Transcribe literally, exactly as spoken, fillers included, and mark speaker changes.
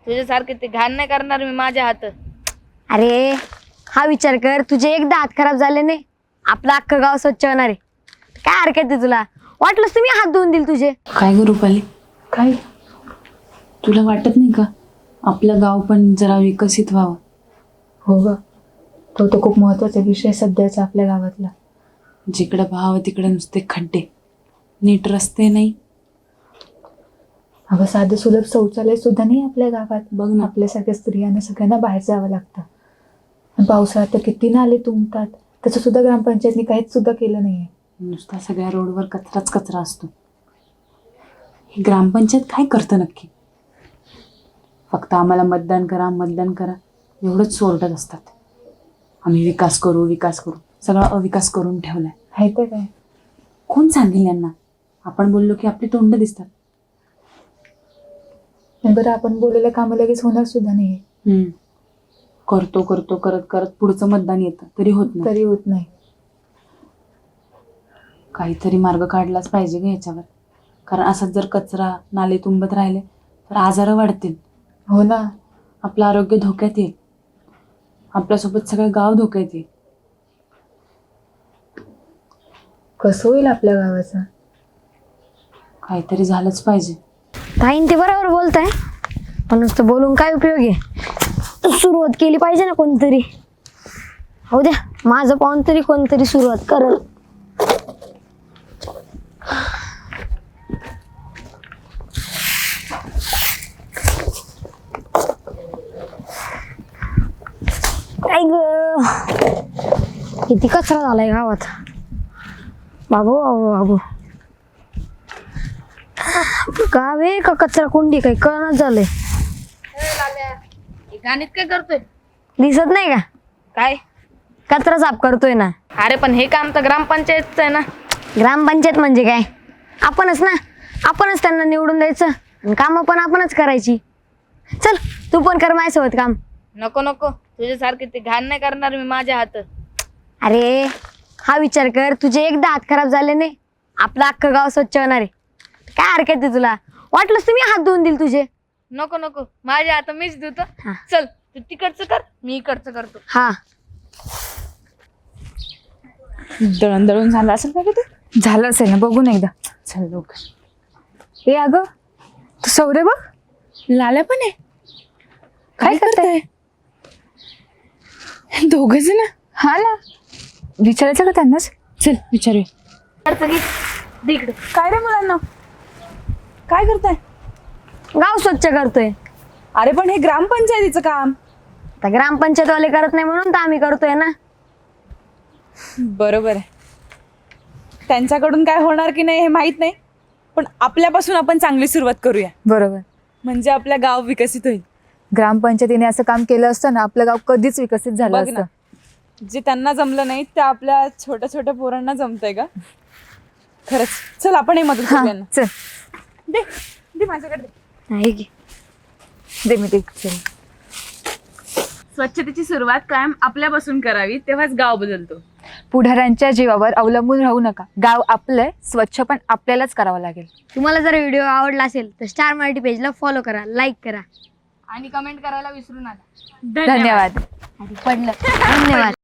Speaker 1: तुझ्यासारखे ते घाण नाही करणार मी माझ्या हात.
Speaker 2: अरे हा विचार कर, तुझे एकदा हात खराब झाले नाही आपलं अख्खं गाव स्वच्छ होणार आहे. काय हरकत आहे तुला? वाटलंस तुम्ही हात धुवून दिल तुझे.
Speaker 3: काय ग रुपाली, काय तुला वाटत नाही का आपलं गाव पण जरा विकसित व्हावं?
Speaker 4: हो ग, तो तो खूप महत्त्वाचा विषय सध्याचा आपल्या गावातला.
Speaker 3: जिकडं भाव तिकडे नुसते खड्डे, नीट रस्ते नाही.
Speaker 4: अगं साधं सुलभ शौचालय सुद्धा नाही आपल्या गावात.
Speaker 3: बघ ना.
Speaker 4: आपल्यासारख्या स्त्रियांना सगळ्यांना बाहेर जावं लागतं. आणि पावसाळ्यात तर किती नाले तुंबतात, त्याचं सुद्धा ग्रामपंचायतनी काहीच सुद्धा केलं नाहीये.
Speaker 3: नुसता सगळ्या रोडवर कचराच कचरा असतो. ही ग्रामपंचायत काय करतं नक्की? फक्त आम्हाला मतदान करा मतदान करा एवढंच सोरडत असतात. आम्ही विकास करू विकास करू, सगळा अविकास करून ठेवलाय.
Speaker 4: आहे तर काय.
Speaker 3: कोण सांगेल यांना? आपण बोललो की आपली तोंड दिसतात.
Speaker 4: आणि बरं, आपण बोललेलं कामं लगेच होणार सुद्धा नाहीये.
Speaker 3: हम्म. करतो करतो करत करत पुढचं मतदान येतं तरी होत नाही.
Speaker 4: तरी होत नाही.
Speaker 3: काहीतरी मार्ग काढलाच पाहिजे ग ह्याच्यावर. कारण असाच जर कचरा नाले तुंबत राहिले तर आजार वाढतील.
Speaker 4: हो ना.
Speaker 3: आपलं आरोग्य धोक्यात येईल. आपल्यासोबत सगळं गाव धोक्यात येईल.
Speaker 4: कसं होईल आपल्या गावाचं?
Speaker 3: काहीतरी झालंच पाहिजे.
Speaker 2: ताईन ते बरोबर बोलताय, पण नुसतं बोलून काय उपयोग आहे? सुरुवात केली पाहिजे ना कोणतरी. हो द्या, माझं पाहून तरी कोणतरी सुरुवात करल. काय ग, किती कचरा झालाय गावात. बाबू बाबू बाबू, गाव आहे का कचरा कुंडी काही कळणच झालंय.
Speaker 1: घाणीत काय करतोय?
Speaker 2: दिसत नाही का?
Speaker 1: काय?
Speaker 2: कचरा साफ करतोय ना.
Speaker 1: अरे पण हे काम तर ग्रामपंचायतचं आहे ना.
Speaker 2: ग्रामपंचायत म्हणजे काय? आपणच ना, आपणच त्यांना निवडून द्यायचं आणि कामं पण आपणच करायची. चल तू पण कर माझ्यासोबत काम.
Speaker 1: नको नको, तुझ्यासारखे ते घाण नाही करणार मी माझ्या हात.
Speaker 2: अरे हा विचार कर, तुझे एकदा हात खराब झाले नाही आपलं अख्खं गाव स्वच्छ होणार आहे. काय हरकत आहे तुला? वाटलंस तुम्ही हात धुवून दिल तुझे.
Speaker 1: नको नको, माझ्या हात मीच धुतो.
Speaker 2: हा.
Speaker 1: चल तू तिकडचं कर, मी इकडचं करतो.
Speaker 2: हा
Speaker 5: दळण दळून झालं असेल का ते? झालं असेल ना, बघून एकदा. चल लवकर. ए अगं, तू सौरे बघ, लाल्या पण आहे. काय करताय? दोघच ना. हा ना, विचारायचं का त्यांनाच? चल विचारूया.
Speaker 1: इकडचं घे, दे इकडं.
Speaker 5: काय रे मुलांना, काय करताय?
Speaker 2: गाव स्वच्छ करतोय.
Speaker 5: अरे पण हे ग्रामपंचायतीचं काम.
Speaker 2: आता ग्रामपंचायतवाले करत नाही म्हणून तर आम्ही करतोय ना.
Speaker 5: बरोबर आहे. त्यांच्याकडून काय होणार की नाही हे माहित नाही, पण आपल्यापासून आपण चांगली सुरुवात करूया.
Speaker 6: बरोबर.
Speaker 5: म्हणजे आपलं गाव विकसित होईल.
Speaker 6: ग्रामपंचायतीने असं काम केलं असतं ना, आपलं गाव कधीच विकसित झालं
Speaker 5: बघ ना,
Speaker 6: असतं.
Speaker 5: जे त्यांना जमलं नाही ते आपल्या छोट्या छोट्या पोरांना जमतंय का? खरंच. चल आपण हे मदत
Speaker 6: हा,
Speaker 5: करूया ना.
Speaker 6: चल
Speaker 5: दे दे माझ्याकडे दे.
Speaker 2: नाही की.
Speaker 6: दे मी ते. चल.
Speaker 5: स्वच्छतेची सुरुवात कायम आपल्यापासून करावी, तेव्हाच गाव बदलतो.
Speaker 6: पुढाऱ्यांच्या जीवावर अवलंबून राहू नका. गाव आपलं स्वच्छ पण आपल्यालाच करावं लागेल.
Speaker 2: तुम्हाला जर व्हिडिओ आवडला असेल तर स्टार मराठी पेजला फॉलो करा, लाईक करा
Speaker 1: आणि कमेंट करायला विसरू नका.
Speaker 6: धन्यवाद.
Speaker 2: पडलं. धन्यवाद.